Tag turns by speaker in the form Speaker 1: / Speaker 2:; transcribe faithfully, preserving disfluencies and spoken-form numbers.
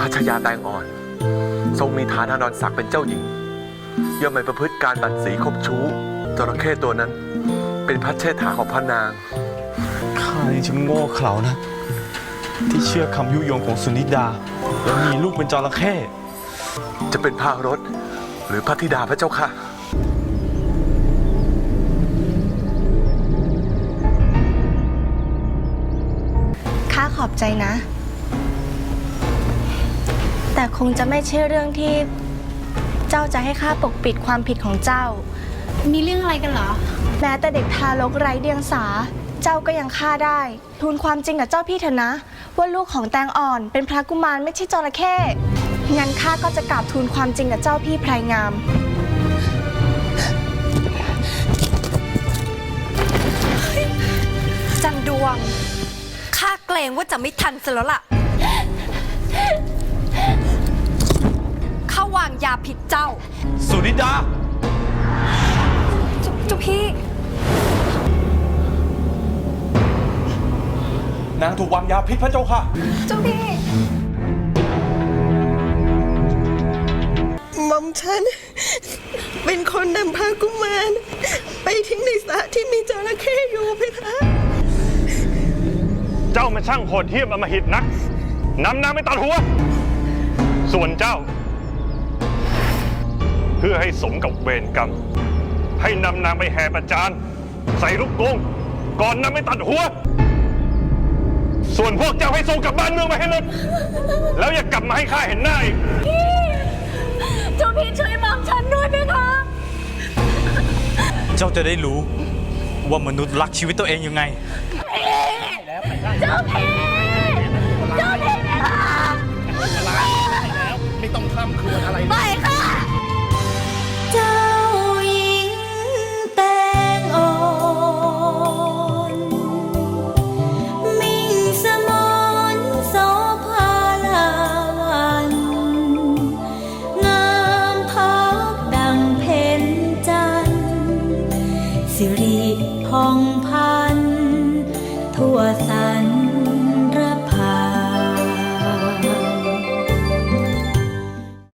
Speaker 1: พัชยาแตงอ่อน ทรงมีฐานะนอนศักดิ์เป็นเจ้าหญิงย่อมไม่ประพฤติการบัดสีคบชู้จระเข้ตัวนั้นเป็นพระเชษฐาของพระนาง
Speaker 2: ข้ายังช่างโง่เขลานะที่เชื่อคำยุยงของสุนิดาแล้วมีลูกเป็นจระเข้
Speaker 1: จะเป็นพระรถหรือพระธิดาพระเจ้าค่ะ
Speaker 3: ข้าขอบใจนะแต่คงจะไม่ใช่เรื่องที่เจ้าจะให้ข้าปกปิดความผิดของเจ้า
Speaker 4: มีเรื่องอะไรกันเหรอ
Speaker 3: แม้แต่เด็กทารกไร้เดียงสาเจ้าก็ยังฆ่าได้ทูลความจริงกับเจ้าพี่เถอะนะว่าลูกของแตงอ่อนเป็นพระกุมารไม่ใช่จระเข้งั้นข้าก็จะกราบทูลความจริงกับเจ้าพี่ไพรงาม
Speaker 4: จันดวงข้าเกรงว่าจะไม่ทันซะแล้วล่ะข้าวางยาผิดเจ้า
Speaker 2: สุนิดา
Speaker 4: เจ้าพี่
Speaker 2: นางถูกวางยาพิษพระเจ้าค่ะ
Speaker 4: เจ้าพี่
Speaker 5: หม่อมฉันเป็นคนนำพากุมารไปทิ้งในสระที่มีจระเข้อยู่เพคะ
Speaker 6: เจ้ามันช่างโหดเหี้ยมอำมหิตนักนำนางไปตัดหัวส่วนเจ้า เพื่อให้สมกับเวรกรรมให้นำนางไปแห่ประจานใส่ลูกกรงก่อนนำไปตัดหัวส่วนพวกเจ้าให้ส่งกลับบ้านเมืองมาให้หมดแล้วอย่ากลับมาให้ข้าเห็นหน้าอีก
Speaker 4: เจ้าพี่ช่วยมองฉันด้วยไหมคะ
Speaker 2: เจ้าจะได้รู้ว่ามนุษย์รักชีวิตตัวเองยังไง
Speaker 4: เจ้าพี่เจ้าพี่ไหมคะ
Speaker 7: ไม่ต้องข้ามครวญอะไร
Speaker 4: ไปค่ะ
Speaker 8: เจ้าหญิงแตงอ่อนมิ่งสมรโสภาลาวันงามพักดังเพ็ญจันทร์สิริพองพันทั่วสา